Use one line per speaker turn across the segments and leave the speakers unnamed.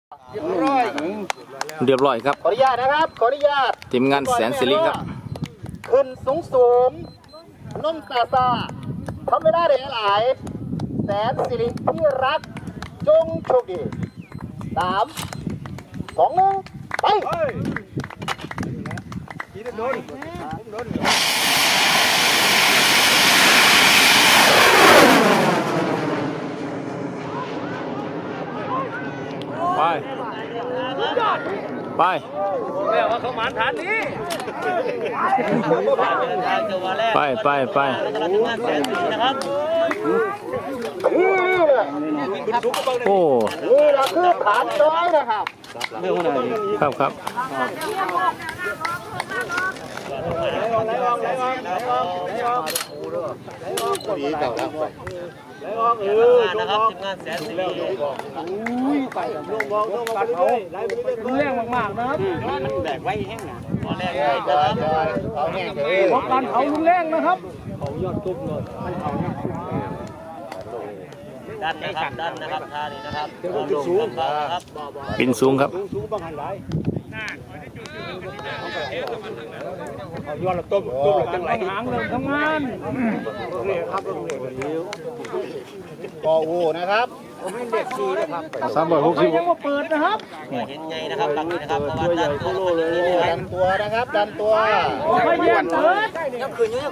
เรียบร้อยครับ
ขออนุญาตนะครับขออนุญาต
ทีมงานแสนสิริครับ
ขึ้นสูงนุ่มซาทำไม่ได้เลยหลายแสนสิริที่รักจงโชคดี3 2 1ไป
ไป
แม่ว่าเขาหมานฐานนี้
ไป
นะครับ
โอ้
นี่เราคือฐานน้อยนะครับ
ครับ
ดีเก่าแล้ว
นะครับทีมงานแสนสิริรุนแรงมากๆนะครับมันแบกไว้แห้งนะตอนแรก
เขาแห้งเลย
เพราะการเผารุนแรงนะครับเขายอดตุ้มเลยดันนะครับท่านี้นะครับ
บินสูงครับ
ย้อนละต้มจังไรหางเริ่มทำงาน
ปออูนะครับ
360ยังมาเปิดนะครับเห็นไงนะครับหลังนี้นะครับดัน
ตัวนะครับดันตัว
ไม่แย่งเปิด
ยังคืนอยู่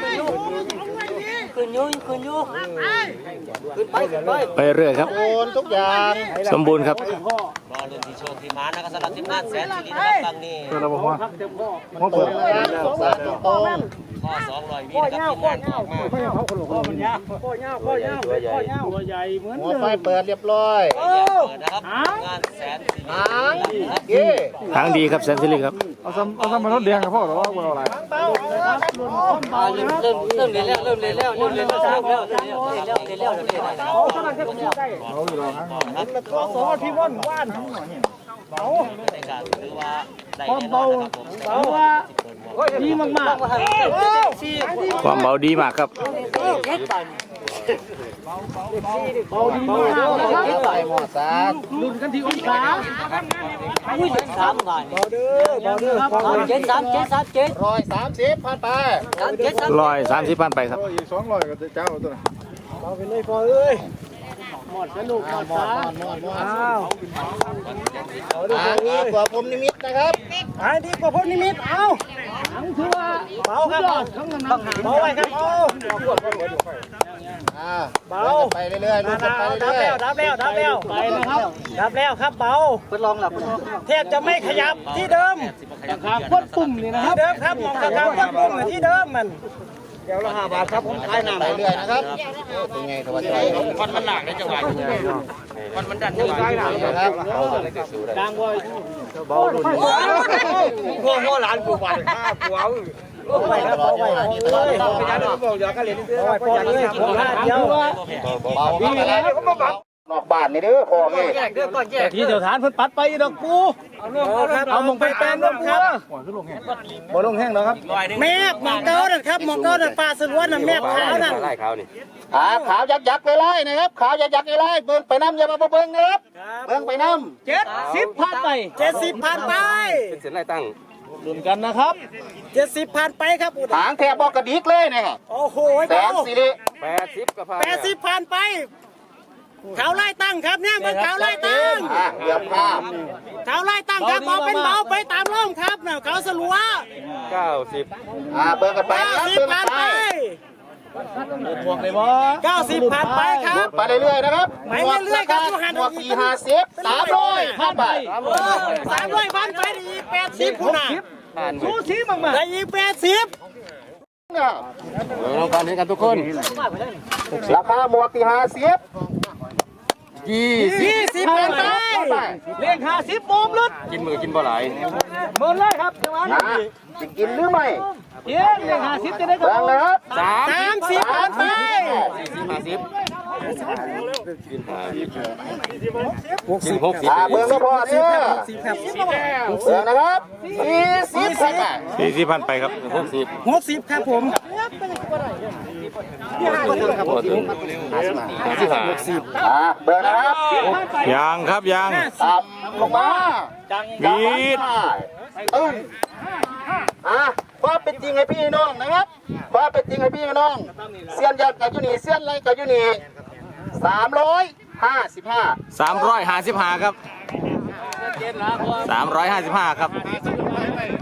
ไปเรื่อยครับ
ทุกอย่าง
สมบูรณ์ครับ
รอลุ้นที่โชคที่มานะครับสำหรับทีมงานแสนสิรินะครับครั้งนี้
เปิดนะครับสายตรง
ข้อ200 วินะครับทีมงานออกมาข้อมันยาวข้อยาวตัวใหญ่เหมือน
หัวไฟเปิดเรียบร้อย
เปิดนะครับงานแสนสิริ
ทางดีครับแสนสิริครับ
เอาซ้ำมารถเดียงกับพ่อหรือว่าอะไร
เริ่มเรียนแล้วข้อ2ที่ว่านทั้งหมดเนี่ยเบาในการถือว่าความเบาว่าดีมาก
ความเบาดีมากครับ
เบาดีมากนะครับ
ใส่หมอสา
ลุ้นกันที่องศา3 บาทเบาเด้อ
130ผ่านไป
130พันไปครับ
อีก200ก็จะเจ้าตัวน่ะ
เบาไปเลยพอเอ้ยหมดสนุกหมดสา
ดีกว่าผมนิมิตนะครับ
ดีกว่าผมนิมิตเอาทั้งถือว่าเบาครับเบาไว้ครับเบา
ไปเรื่อยๆ
ดับแล้วไปนะครับดับแล้วครับเบาทดลองหลับแทบจะไม่ขยับที่เดิมครับกดปุ่มนี่นะครับที่เดิมครับมองกระทำกดปุ่มที่เดิมมันเดี๋ยวละ5 บาทครับผมขายน้ำ
ไปเรื่อยนะครับเป็นไงสวัสดี
คนมันหนักในจังหวะคนมันดันจังหวะ
นะครับ
ดังว่าเบาดุนพ่อหลานกูฝันกูเอาไปครับเบาไปเลยไปยันบอกเดี๋ยวก็เรียนเสื้อไปยันเลยผมเดียว
เบาไปแล้วนอกบ้านนี่เด้อพอเลย
ที่เจ้าฐานเพิ่นปัดไปดอกปูเอามองไปแปลนดอกครับ
บ่ลงแห้งแล้วครับ
แม่มองเก้านั่นครับมองเก้านั่นปลาสลวนนั่นแม่ขาวนั่น
ขาวยักษ์ไล่นะครับขาวยักษ์ไล่เบิ่งไปน้ำอย่ามาเบิ่งนะครับเบิ่งไปน้
ำ70ผ่านไป70ผ่านไป
เป็นเส้นไล่ตั้ง
ลุ้นกันนะครับ70ผ่านไปครับ
หางแทบบอกกระดิกเลยนะครับ
โอ้โห
แสนสิริ
80ก็ผ่าน
80ผ่านไปเขาไล่ตั้งครับเนี่ยมันเขาไล่ตั้ง
เดี๋ยวภาพ
เขาไล่ตั้งครับเบาเป็นเบาไปตามร่องครับเนี่ยเขาสลัว
90
เบิ่งกันไป
90ผ่านไป90ผ่านไปครับ
ไปเรื่อยๆนะครับ
ไปเรื่อยๆครับ
หมวก450 300ผ่านไป
300ผ่านไปอีก80คุณน่ะสู้ชีมากๆได้อีก80
ลองกันให้กันทุกคน
ราคาหมวก50
20ผ่านไปเลี้ยง50โมมลึด
กินมือกินบ่หลาย
หมดเลยครับจังหวะนี้
จะกินหรือไม่
เลี้ยง50จะได้ครับ
นะครับ
30ผ่านไป
กิน60
เบิ่งก็พอเด้อเบิ่งนะครับ40ผ่านไป
40พันไปครับ
60ครับผม
โอ้ถึง55
เบอร์นะครับ
ยางครับยาง
ต่ำลงมา
วีด
ความเป็นจริงให้พี่น้องนะครับความเป็นจริงให้พี่น้องเซียนยัดกับยูนีเซียนไรกับยูนี355
355ครับ355ครับ